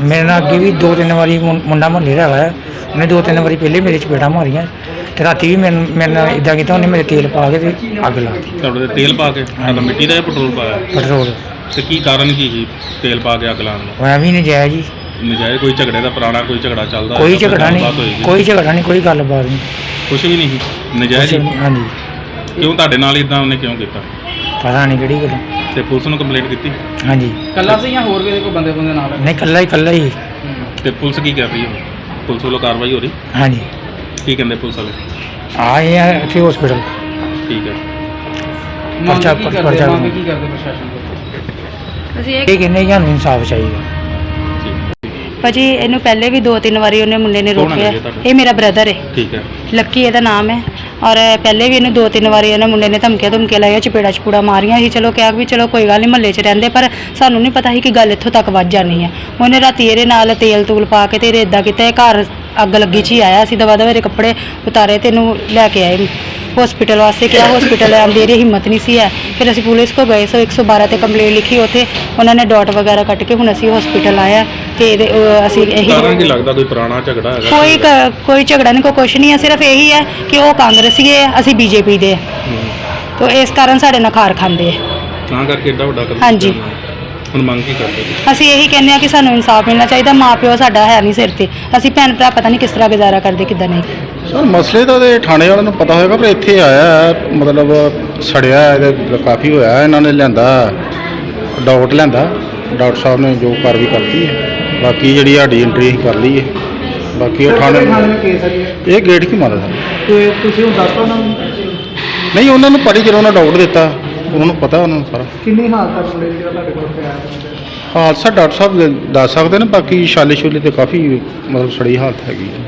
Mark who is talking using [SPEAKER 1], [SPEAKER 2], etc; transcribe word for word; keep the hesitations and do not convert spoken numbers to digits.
[SPEAKER 1] मेरे नाल अगे भी दो तीन बारी मुंडा मुहल्ले का है, उन्हें दो तीन बारी पहले मेरे चपेटा मारियां ते राती भी मेरे मेरे नाल इदां कीता, उन्हें मेरे तेल पा के ते अग ला दी।
[SPEAKER 2] ਤੁਹਾਡੇ ਤੇ ਤੇਲ ਪਾ ਕੇ ਤਾਂ ਮਿੱਟੀ ਦਾ ਜਾਂ ਪੈਟਰੋਲ ਪਾਇਆ
[SPEAKER 1] पेट्रोल
[SPEAKER 2] ਤੇ ਕੀ ਕਾਰਨ ਕੀ ਸੀ ਤੇਲ ਪਾ ਕੇ ਅੱਗ ਲਾਉਣ ਦਾ?
[SPEAKER 1] होया भी नजायज ही,
[SPEAKER 2] ਨਜਾਇਜ਼ ਕੋਈ ਝਗੜੇ ਦਾ ਪੁਰਾਣਾ ਕੋਈ ਝਗੜਾ ਚੱਲਦਾ
[SPEAKER 1] कोई
[SPEAKER 2] ਜਾਂ
[SPEAKER 1] झगड़ा
[SPEAKER 2] ਗੱਲਬਾਤ
[SPEAKER 1] नहीं,
[SPEAKER 2] ਹੋਏਗੀ?
[SPEAKER 1] कोई झगड़ा नहीं, कोई गलबात नहीं,
[SPEAKER 2] ਕੁਛ ਵੀ ਨਹੀਂ ਸੀ ਨਜਾਇਜ਼ ਹੀ?
[SPEAKER 1] हाँ जी।
[SPEAKER 2] ਕਿਉਂ ਤੁਹਾਡੇ ਨਾਲ ਇਦਾਂ ਉਹਨੇ ਕਿਉਂ ਕੀਤਾ?
[SPEAKER 1] पता नहीं किहड़ी गल।
[SPEAKER 2] ਤੇ ਪੁਲਿਸ ਨੂੰ ਕੰਪਲੇਂਟ ਕੀਤੀ?
[SPEAKER 1] हाँ जी,
[SPEAKER 3] ਕੱਲਾ ਸੀ ਜਾਂ ਹੋਰ ਵੀ ਕੋਈ ਬੰਦੇ ਬੰਦੇ ਨਾਲ?
[SPEAKER 1] नहीं कल्ला ही कल्ला ही।
[SPEAKER 2] ਤੇ ਪੁਲਿਸ ਕੀ ਕਰ ਰਹੀ ਹੈ? ਪੁਲਿਸ ਵੱਲੋਂ ਕਾਰਵਾਈ ਹੋ ਰਹੀ
[SPEAKER 1] हाँ जी,
[SPEAKER 2] ਕੀ ਕਹਿੰਦੇ ਪੁਲਿਸ ਵਾਲੇ?
[SPEAKER 1] आए हैं इतने हॉस्पिटल।
[SPEAKER 2] ਠੀਕ ਹੈ।
[SPEAKER 3] ਮੰਗ
[SPEAKER 1] पर्चा
[SPEAKER 3] ਕੀ ਕਰਦੇ
[SPEAKER 1] पर्चा
[SPEAKER 3] ਮੰਗ ਕੀ ਕਰਦੇ ਪ੍ਰਸ਼ਾਸਨ ਕੋਲ?
[SPEAKER 4] ਅਸੀਂ ਇਹ
[SPEAKER 1] ये कहने कि हमें इंसाफ चाहिए।
[SPEAKER 4] ਭਾਜੀ ਇਹਨੂੰ ਪਹਿਲੇ ਵੀ ਦੋ ਤਿੰਨ ਵਾਰੀ ਉਹਨੇ ਮੁੰਡੇ ਨੇ
[SPEAKER 2] ਕੌਣ ਹੈ
[SPEAKER 4] ਰੋਕਿਆ।
[SPEAKER 2] ਜੀ ਤੁਹਾਡਾ?
[SPEAKER 4] ਇਹ ਮੇਰਾ ਬ੍ਰਦਰ ਹੈ,
[SPEAKER 2] ਠੀਕ ਹੈ।
[SPEAKER 4] ਲੱਕੀ ਇਹਦਾ ਨਾਮ ਹੈ। ਔਰ ਪਹਿਲੇ ਵੀ ਇਹਨੂੰ ਦੋ ਤਿੰਨ ਵਾਰੀ ਇਹਨਾਂ ਮੁੰਡੇ ਨੇ ਧਮਕੀਆਂ ਧਮਕੀਆਂ ਲਾਈਆਂ, ਚਪੇੜਾ ਚਪੂੜਾ ਮਾਰੀਆਂ ਸੀ। ਚਲੋ ਕਿਹਾ ਵੀ ਚਲੋ ਕੋਈ ਗੱਲ ਨਹੀਂ, ਮਹੱਲੇ 'ਚ ਰਹਿੰਦੇ, ਪਰ ਸਾਨੂੰ ਨਹੀਂ ਪਤਾ ਸੀ ਕਿ ਗੱਲ ਇੱਥੋਂ ਤੱਕ ਵੱਧ ਜਾਣੀ ਹੈ। ਉਹਨੇ ਰਾਤੀ ਇਹਦੇ ਨਾਲ ਤੇਲ ਤੂਲ ਪਾ ਕੇ ਤੇ ਇਹਦੇ ਇੱਦਾਂ ਕੀਤਾ, ਇਹ ਘਰ ਅੱਗ ਲੱਗੀ 'ਚ ਹੀ ਆਇਆ ਸੀ। ਦਵਾ ਦਵਾ ਇਹਦੇ ਕੱਪੜੇ ਉਤਾਰੇ ਤੇ ਇਹਨੂੰ ਲੈ ਕੇ ਆਏ ਹੌਸਪੀਟਲ ਵਾਸਤੇ। ਕਿਹਾ ਹੌਸਪੀਟਲ ਆਉਣ ਦੀ ਇਹਦੀ ਹਿੰਮਤ ਨਹੀਂ ਸੀ ਹੈ। ਫਿਰ ਅਸੀਂ ਪੁਲਿਸ ਕੋ ਗਏ, ਸੋ ਇੱਕ ਸੌ ਬਾਰਾਂ 'ਤੇ ਕੰਪਲੇਂਟ ਲਿਖੀ। ਉੱਥੇ ਉਹਨਾਂ ਨੇ ਡਾਟ ਵਗੈਰਾ ਕੱਟ ਕੇ ਹੁਣ ਅਸੀਂ ਹੌਸਪੀਟਲ ਆਇਆ ਤੇ ਇਹਦੇ ਉਹ ਅਸੀਂ ਇਹੀ
[SPEAKER 2] ਕਾਰਨ ਕੀ ਲੱਗਦਾ? ਕੋਈ ਪੁਰਾਣਾ ਝਗੜਾ ਹੈਗਾ?
[SPEAKER 4] ਕੋਈ ਕ- ਕੋਈ ਝਗੜਾ ਨਹੀਂ, ਕੋਈ ਕੁਛ ਨਹੀਂ ਹੈ। ਸਿਰਫ ਇਹੀ ਹੈ ਕਿ ਉਹ ਕਾਂਗਰਸੀ ਹੈ, ਅਸੀਂ ਬੀਜੇਪੀ ਦੇ,
[SPEAKER 2] ਹੂੰ।
[SPEAKER 4] ਤੋ ਇਸ ਕਾਰਨ ਸਾਡੇ ਨਾਲ ਖਾਰ ਖਾਂਦੇ ਹੈ।
[SPEAKER 2] ਤਾਂ ਕਰਕੇ ਏਡਾ ਵੱਡਾ ਕਦਮ
[SPEAKER 4] ਹਾਂਜੀ।
[SPEAKER 2] ਚੁੱਕਿਆ ਉਹਨਾਂ ਨੇ। ਹੁਣ ਮੰਗ ਕੀ ਕਰਦੇ ਤੁਸੀਂ?
[SPEAKER 4] ਅਸੀਂ ਇਹੀ ਕਹਿੰਦੇ ਹਾਂ ਕਿ ਸਾਨੂੰ ਇਨਸਾਫ ਮਿਲਣਾ ਚਾਹੀਦਾ। ਮਾਂ ਪਿਓ ਸਾਡਾ ਹੈ ਨਹੀਂ ਸਿਰ ਤੇ, ਅਸੀਂ ਭੈਣ ਭਰਾ ਪਤਾ ਨਹੀਂ ਕਿਸ ਤਰ੍ਹਾਂ ਗੁਜ਼ਾਰਾ ਕਰਦੇ ਕਿੱਦਾਂ ਨਹੀਂ।
[SPEAKER 5] ਸਰ ਮਸਲੇ ਤਾਂ ਦੇ ਥਾਣੇ ਵਾਲਿਆਂ ਨੂੰ ਪਤਾ ਹੋਏਗਾ, ਪਰ ਇੱਥੇ ਆਇਆ ਹੈ, ਮਤਲਬ ਸੜਿਆ ਇਹਦੇ ਕਾਫੀ ਹੋਇਆ। ਇਹਨਾਂ ਨੇ ਲਿਆਂਦਾ ਡਾਕਟਰ ਲਿਆਂਦਾ, ਡਾਕਟਰ ਸਾਹਿਬ ਨੇ ਜੋ ਕਾਰਵਾਈ ਕਰਤੀ ਹੈ। ਬਾਕੀ ਜਿਹੜੀ ਸਾਡੀ ਐਂਟਰੀ ਅਸੀਂ ਕਰ ਲਈ ਹੈ। ਬਾਕੀ ਉਹ ਥਾਣੇ
[SPEAKER 3] ਕੇਸ ਹੈ ਜੀ
[SPEAKER 5] ਇਹ ਗੇਟ ਕੀ ਮਾਰਦਾ ਸਰ?
[SPEAKER 3] ਤੇ ਤੁਸੀਂ ਹੁਣ ਦੱਸ ਦਿਓ ਉਹਨਾਂ ਨੂੰ
[SPEAKER 5] ਨਹੀਂ, ਉਹਨਾਂ ਨੂੰ ਪੜੀ ਜਦੋਂ ਉਹਨਾਂ ਡਾਕਟਰ ਦਿੱਤਾ, ਉਹਨਾਂ ਨੂੰ ਪਤਾ ਉਹਨਾਂ ਨੂੰ ਸਾਰਾ
[SPEAKER 3] ਕਿੰਨੀ ਹਾਲਤ ਤੱਕ ਮੁੰਡੇ ਦੀ ਜਿਹੜਾ ਤੁਹਾਡੇ ਕੋਲ ਪਿਆ ਹੈ?
[SPEAKER 5] ਹਾਦਸਾ ਡਾਕਟਰ ਸਾਹਿਬ ਦੱਸ ਸਕਦੇ ਨੇ। ਬਾਕੀ ਛਾਲੇ ਛੁਲੇ ਤੇ ਕਾਫੀ ਮਤਲਬ ਸੜੀ ਹਾਲਤ ਹੈਗੀ ਹੈ।